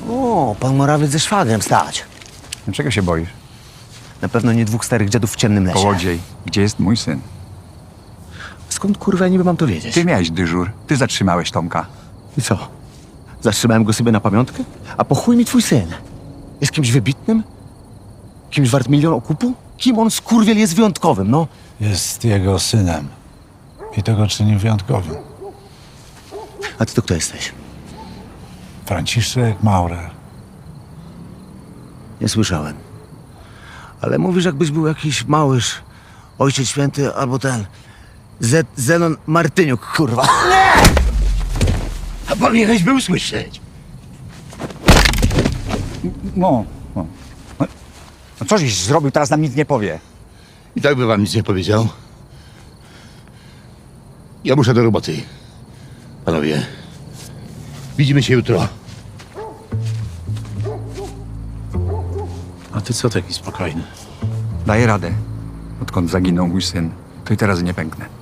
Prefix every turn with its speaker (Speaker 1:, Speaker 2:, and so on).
Speaker 1: O, pan Morawiec ze szwagrem stać.
Speaker 2: Czego się boisz?
Speaker 1: Na pewno nie dwóch starych dziadów w ciemnym lesie.
Speaker 2: Kołodziej, gdzie jest mój syn?
Speaker 1: Skąd kurwa ja niby mam to wiedzieć?
Speaker 2: Ty miałeś dyżur, ty zatrzymałeś Tomka.
Speaker 1: I co? Zatrzymałem go sobie na pamiątkę? A po chuj mi twój syn? Jest kimś wybitnym? Kimś wart milion okupu? Kim on, skurwiel, jest wyjątkowym, no?
Speaker 3: Jest jego synem. I to go czyni wyjątkowym.
Speaker 1: A ty to kto jesteś?
Speaker 3: Franciszek Maurer.
Speaker 1: Nie słyszałem. Ale mówisz, jakbyś był jakiś małyż, Ojciec Święty albo ten... Zenon Martyniuk, kurwa. Nie! A powinieneś był słyszeć.
Speaker 2: No. No co żeś zrobił, teraz nam nic nie powie.
Speaker 4: I tak by wam nic nie powiedział. Ja muszę do roboty. Panowie, widzimy się jutro.
Speaker 3: A ty co taki spokojny?
Speaker 2: Daję radę. Odkąd zaginął mój syn, to i teraz nie pęknę.